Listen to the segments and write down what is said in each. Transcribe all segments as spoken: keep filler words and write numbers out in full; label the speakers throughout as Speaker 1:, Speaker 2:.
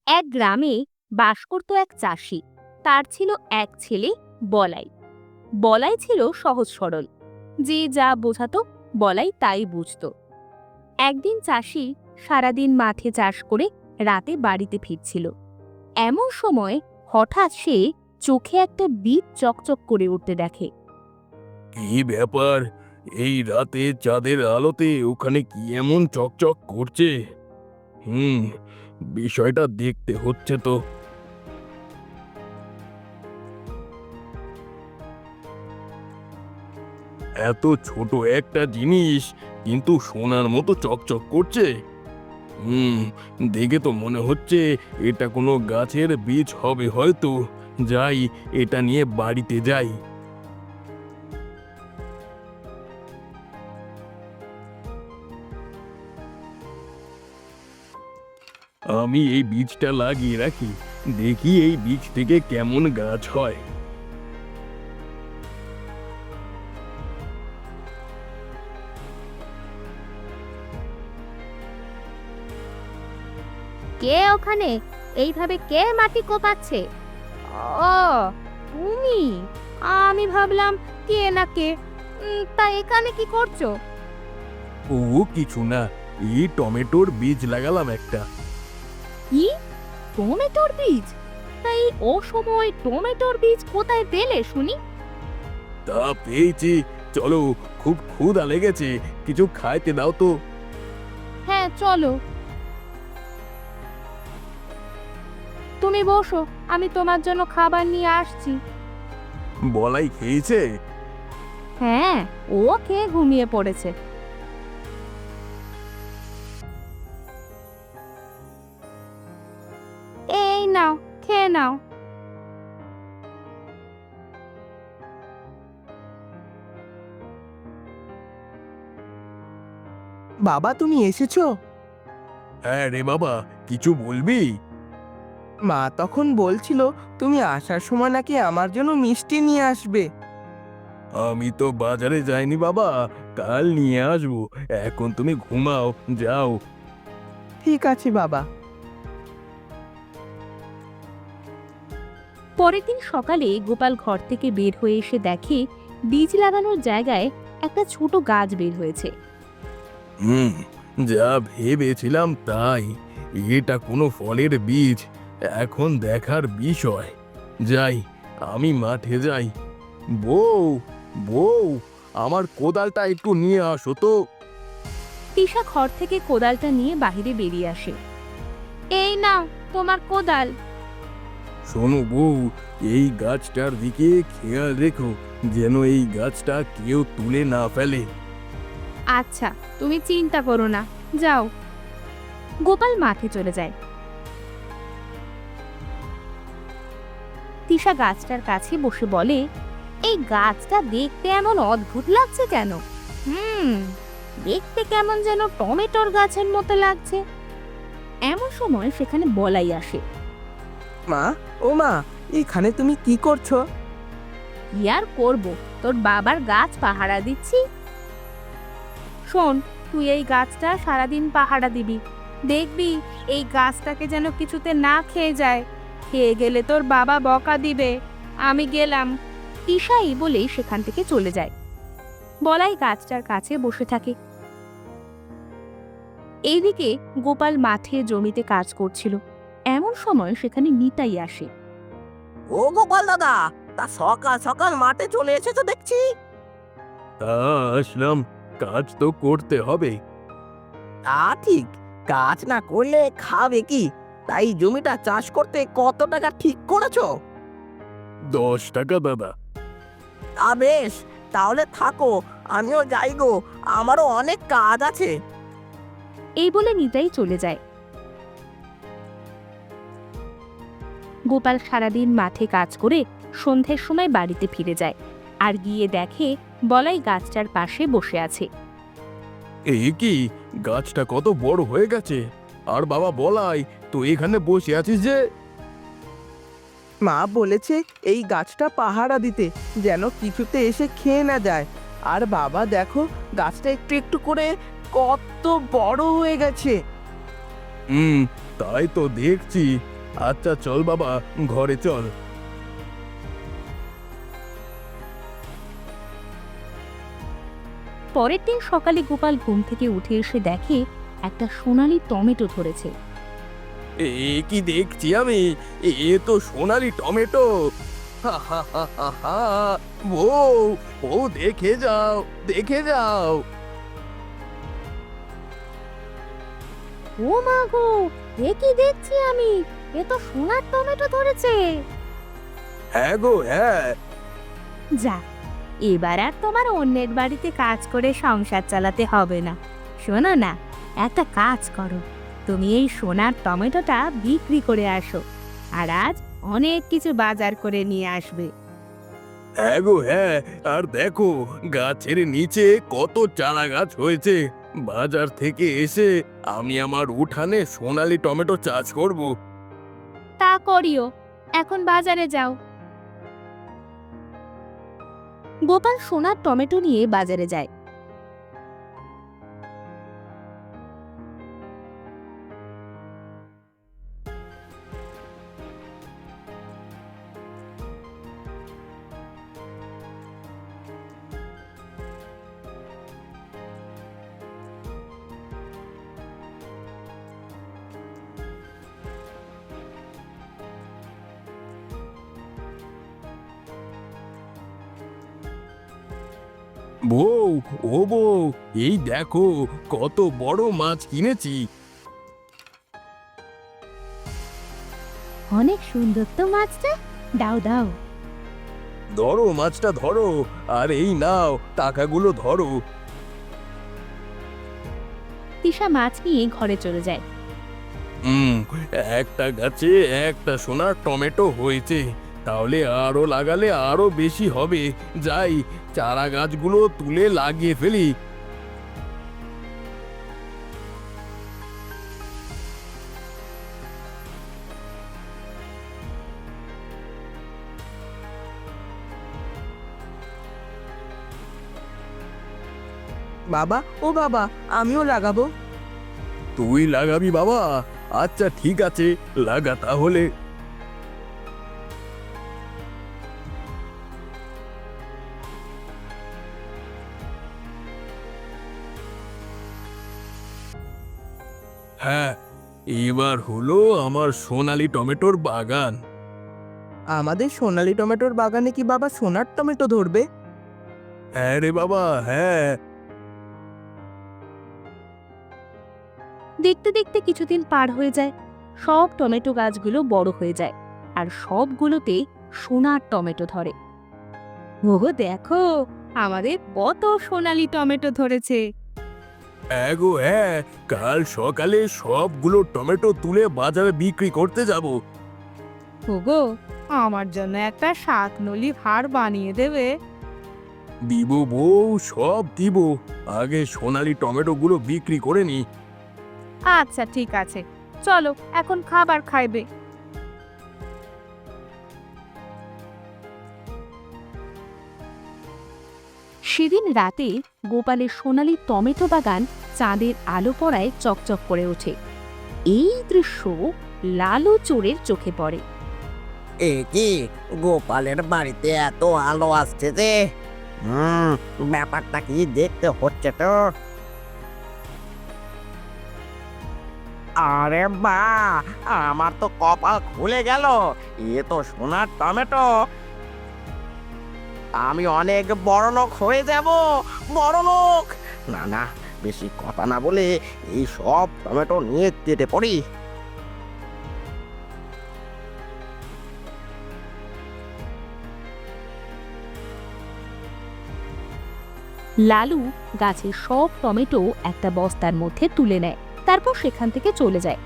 Speaker 1: এক গ্রামে বাস করত এক চাষি। তার ছিল এক ছেলে, বলাই। বলাই ছিল সহজ সরল, যে যা বোঝাতো বলাই তাই বুঝতো। একদিন চাষি সারাদিন মাঠে চাষ করে রাতে বাড়িতে ফিরছিল। এমন সময় হঠাৎ সে চোখে একটা বীজ চকচক করে উঠতে দেখে।
Speaker 2: কি ব্যাপার? এই রাতে চাঁদের আলোতে ওখানে কি এমন চকচক করছে? হুম, বিষয়টা দেখতে হচ্ছে তো। এত ছোট একটা জিনিস, কিন্তু সোনার মতো চকচক করছে। হুম, দেখে তো মনে হচ্ছে এটা কোনো গাছের বীজ হবে হয়তো। যাই, এটা নিয়ে বাড়িতে যাই। আমি এই বীজটা লাগিয়ে রাখি, দেখি এই বীজ থেকে কেমন গাছ হয়।
Speaker 1: কে ওখানে? এইভাবে কে মাটি কোপাচ্ছে? ও, তুমি? আমি ভাবলাম কে না কে। উম, তা এখানে কি করছো?
Speaker 2: ও কিছু না, এই টমেটোর বীজ লাগালাম একটা।
Speaker 1: কি? টমেটোর বীজ? তাই ও সময় টমেটোর বীজ কোথায় পেলে শুনি?
Speaker 2: তা পেয়েছি। চলো, খুব ক্ষুধা লেগেছে, কিছু খাইতে দাও তো।
Speaker 1: হ্যাঁ, চলো। তুমি বসো, আমি তোমার জন্য খাবার নিয়ে আসছি।
Speaker 2: বলাই খেয়েছে?
Speaker 1: হ্যাঁ, ও খেয়ে ঘুমিয়ে পড়েছে। এই নাও, খেয়ে নাও।
Speaker 3: বাবা, তুমি এসেছো?
Speaker 2: হ্যাঁ রে বাবা, কিছু বলবি?
Speaker 3: মা তখন বলছিল তুমি আসার সময় নাকি আমার জন্য মিষ্টি নিয়ে আসবে।
Speaker 2: আমি তো বাজারে যাইনি বাবা, কাল নিয়ে আসবো। এখন তুমি ঘুমাও, যাও।
Speaker 3: ঠিক আছে বাবা।
Speaker 1: পরের দিন সকালে গোপাল ঘর থেকে বের হয়ে এসে দেখে বীজ লাগানোর জায়গায় একটা ছোট গাছ বের হয়েছে।
Speaker 2: হুম, যা ভেবেছিলাম তাই। এটা কোনো ফলের বীজ। এখন দেখার বিষয়। যাই, আমি মাঠে যাই। বউ, বউ, আমার কোদালটা একটু নিয়ে আসো তো।
Speaker 1: তিশা ঘর থেকে কোদালটা নিয়ে বাইরে বেরিয়ে আসে। এই নাও তোমার কোদাল।
Speaker 2: শোনো বউ, এই গাছটার দিকে খেয়াল রেখো, যেন এই গাছটা কেউ তুলে না ফেলে।
Speaker 1: আচ্ছা, তুমি চিন্তা করো না, যাও। গোপাল মাঠে চলে যায়। তিশা গাছটার কাছে বসে বলে, এই গাছটা দেখতে এমন অদ্ভুত লাগছে কেন? হুম, দেখতে কেমন যেন টমেটোর গাছের মতো লাগছে। এমন সময় সেখানে বলাই আসে।
Speaker 3: মা, ও মা, এখানে তুমি কি করছো?
Speaker 1: কি আর করবো, তোর বাবার গাছ পাহারা দিচ্ছি। শোন, তুই এই গাছটা সারাদিন পাহারা দিবি। দেখবি এই গাছটাকে যেন কিছুতে না খেয়ে যায়। খেয়ে গেলে তোর বাবা বকা দিবে। আমি গেলাম। ঈশাই বলেই সেখান থেকে চলে যায়। বলাই গাছটার কাছে বসে থাকে। এইদিকে গোপাল মাঠে জমিতে কাজ করছিল। এমন সময় সেখানে নিতাই আসে।
Speaker 4: ও গোপাল দাদা, তা সকাল সকাল মাঠে চলে এসেছো দেখছি।
Speaker 2: তা আসলাম, কাজ তো করতে হবে।
Speaker 4: তা ঠিক, কাজ না করলে খাবে কি? তাই জমিটা চাষ করতে কত টাকা ঠিক করেছো?
Speaker 2: দশ টাকা দাদা।
Speaker 4: তা বেশ, তাহলে থাকো, আমিও যাই গো, আমারও অনেক কাজ আছে।
Speaker 1: এই বলে নিতাই চলে যায়। গোপাল সারাদিন মাঠে কাজ করে সন্ধ্যের সময় বাড়িতে ফিরে যায়, আর গিয়ে দেখে বলাই গাছটার পাশে বসে আছে।
Speaker 2: এই কি, গাছটা কত বড় হয়ে গেছে! আর বাবা বলাই, তো এখানে বসে আছিস যে?
Speaker 3: মা বলেছে এই গাছটা পাহারা দিতে, যেন কিছুতে এসে খেয়ে না যায়। আর বাবা দেখো, গাছটা একটু একটু করে কত বড় হয়ে গেছে।
Speaker 2: হুম, তাই তো দেখছি। আচ্ছা চল বাবা, ঘরে চল।
Speaker 1: পরের দিন সকালে গোপাল ঘুম থেকে উঠে এসে দেখে একটা সোনালী টমেটো ধরেছে।
Speaker 2: এ কি দেখছি আমি, এ তো সোনালি টমেটো। হা হা হা হা হা। বউ, বউ দেখে যাও, দেখে যাও।
Speaker 1: ও মা গো, এ কি দেখছি আমি, এ তো সোনার টমেটো ধরেছে।
Speaker 2: হ্যাঁ গো হ্যাঁ।
Speaker 1: যা, এবার আর তোমার অন্যের বাড়িতে কাজ করে সংসার চালাতে হবে না। শোনো না, একটা কাজ করো, তুমি এই সোনার টমেটোটা বিক্রি করে আসো, আর আজ অনেক কিছু বাজার করে নিয়ে আসবে।
Speaker 2: হ্যাঁ গো হ্যাঁ। আর দেখো, গাছের নিচে কত চারা গাছ হয়েছে। বাজার থেকে এসে আমি আমার উঠানে সোনালি টমেটো চাষ করব।
Speaker 1: তা করিও, এখন বাজারে যাও। গোপাল সোনার টমেটো নিয়ে বাজারে যায়।
Speaker 2: বউ, ও বউ, এই দেখো কত বড় মাছ কিনেছি।
Speaker 1: অনেক সুন্দর তো মাছটা, দাও দাও।
Speaker 2: ধরো মাছটা ধরো, আর এই নাও টাকাগুলো ধরো।
Speaker 1: তিশা মাছ নিয়ে ঘরে চলে যায়।
Speaker 2: হুম, একটা গাছে একটা সোনার টমেটো হয়েছে, তাহলে আরো লাগালে আরো বেশি হবে। যাই, চারা গাছগুলো তুলে লাগিয়ে ফেলি।
Speaker 3: বাবা, ও বাবা, আমিও লাগাবো।
Speaker 2: তুই লাগাবি বাবা? আচ্ছা ঠিক আছে, লাগা তাহলে। হ্যাঁ, এবার হলো আমার সোনালি টমেটোর বাগান।
Speaker 3: আমাদের সোনালী টমেটোর বাগানে কি বাবা সোনার টমেটো ধরবে?
Speaker 2: হ্যাঁ রে বাবা, হ্যাঁ।
Speaker 1: দেখতে দেখতে কিছুদিন পার হয়ে যায়। সব টমেটো গাছগুলো বড় হয়ে যায়, আর সবগুলোতে সোনার টমেটো ধরে। ওগো দেখো, আমাদের কত সোনালী টমেটো ধরেছে।
Speaker 2: হ্যাঁ গো হ্যাঁ, কাল সকালে সবগুলো টমেটো তুলে বাজারে বিক্রি করতে যাব।
Speaker 1: ওগো, আমার জন্য একটা শাকনলি হাড় বানিয়ে দেবে?
Speaker 2: দিব বউ, সব দিব। আগে সোনালি টমেটোগুলো বিক্রি করে নি।
Speaker 1: আচ্ছা ঠিক আছে, চলো এখন খাবার খাইবে। সেদিন রাতে গোপালের সোনালী টমেটো বাগান চাঁদের আলো পড়ায় চকচক করে ওঠে। এই দৃশ্য লালু চোরের চোখে পড়ে।
Speaker 4: এ কি, গোপালের বাড়িতে এত আলো আসছে যে? হুম, ব্যাপারটা কি দেখতে হচ্ছে তো। আরে বা, আমার তো কপাল খুলে গেল। এ তো সোনার টমেটো। আমি অনেক বড় লোক হয়ে যাব, বড় লোক। না না, বেশি কথা না বলে এই সব টমেটো নিয়ে কেটে পড়ি।
Speaker 1: লালু গাছের সব টমেটো একটা বস্তার মধ্যে তুলে নেয়, তারপর সেখান থেকে চলে যায়।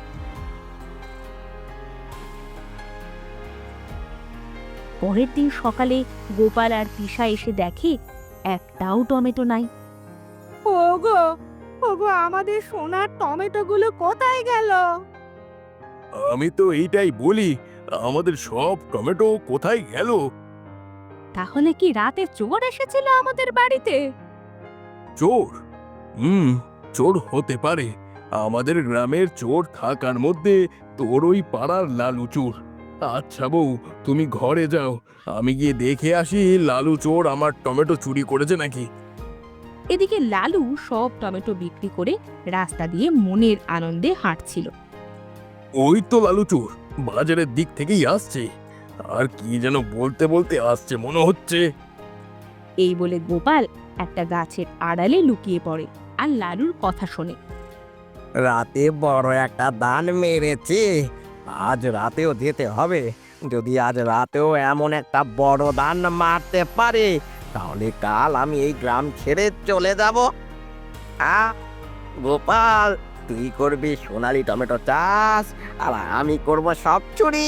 Speaker 1: পরের দিন সকালে গোপাল আর তিশা এসে দেখে একটাও টমেটো নাই। ওগো, ওগো, আমাদের সোনার টমেটোগুলো কোথায় গেল?
Speaker 2: আমি তো এইটাই বলি, আমাদের সব টমেটো কোথায় গেল?
Speaker 1: তাহলে কি রাতে চোর এসেছিল আমাদের বাড়িতে?
Speaker 2: চোর? হুম, চোর হতে পারে। আমাদের গ্রামের চোর থাকার মধ্যে তোর ওই পাড়ার লালু চোর। আচ্ছা বউ, তুমি ঘরে যাও, আমি গিয়ে দেখে আসি লালু চোর আমার টমেটো চুরি করেছে নাকি।
Speaker 1: এদিকে লালু সব টমেটো বিক্রি করে রাস্তা দিয়ে মনের আনন্দে হাঁটছিল।
Speaker 2: ওই তো লালু চোর বাজারের দিক থেকেই আসছে, আর কি যেন বলতে বলতে আসছে মনে হচ্ছে।
Speaker 1: এই বলে গোপাল একটা গাছের আড়ালে লুকিয়ে পড়ে আর লালুর কথা শোনে।
Speaker 4: রাতে বড় একটা দান মেরেছে, আজ রাতেও যেতে হবে। যদি আজ রাতেও এমন একটা বড় দান মারতে পারে, তাহলে কাল আমি এই গ্রাম ছেড়ে চলে যাব। আ গোপাল, তুই করবি সোনালি টমেটো চাষ, আর আমি করব সব চুরি।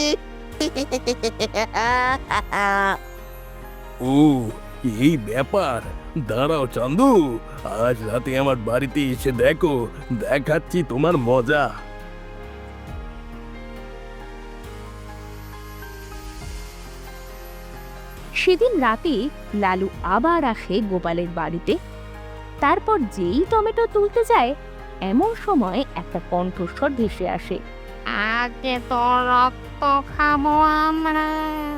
Speaker 2: ও, এই ব্যাপার। দাঁড়াও চান্দু, আজ রাতে আমার বাড়িতে এসে দেখো, দেখাচ্ছি তোমার মজা।
Speaker 1: সেদিন রাতে লালু আবার আসে গোপালের বাড়িতে। তারপর যেই টমেটো তুলতে যায়, এমন সময় একটা কণ্ঠস্বর ভেসে আসে।
Speaker 5: আজকে তো রক্ত খাবো আমরা।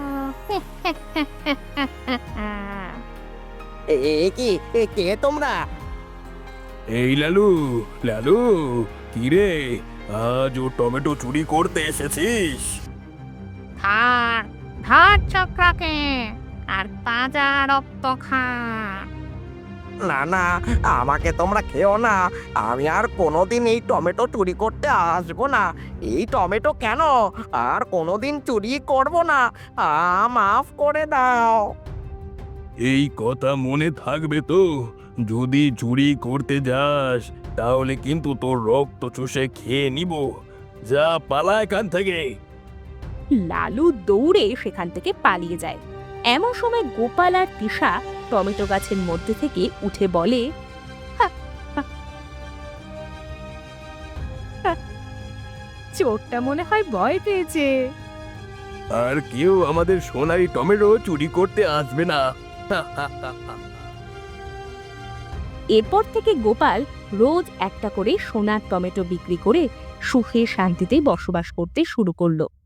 Speaker 4: এ এ কি এ কে তোমরা?
Speaker 2: এই লালু, লালু, কি রে, আজ ও টমেটো চুরি করতে এসেছিস?
Speaker 5: ধর ধর চক্রকে, আর তাজা রক্ত খা।
Speaker 4: না না, আমাকে তোমরা খেও না। আমি আর কোনোদিন এই টমেটো চুরি করতে আসবো না। এই টমেটো কেন, আর কোনোদিন চুরি করব না। আ মাফ করে দাও।
Speaker 2: এই কথা মনে থাকবে তো, যদি চুরি করতে যাস তাহলে কিন্তু তোর রক্ত চুষে খেয়ে নিব। যা, পালা এখান থেকে।
Speaker 1: লালু দৌড়ে সেখান থেকে পালিয়ে যায়। এমন সময় গোপাল আর তিশা টমেটো গাছের মধ্যে থেকে উঠে বলে, "হা, হা, হা, চোরটা মনে হয় ভয় পেয়েছে।"
Speaker 2: আর কেউ আমাদের সোনারি টমেটো চুরি করতে আসবে না।
Speaker 1: এরপর থেকে গোপাল রোজ একটা করে সোনার টমেটো বিক্রি করে সুখে শান্তিতে বসবাস করতে শুরু করলো।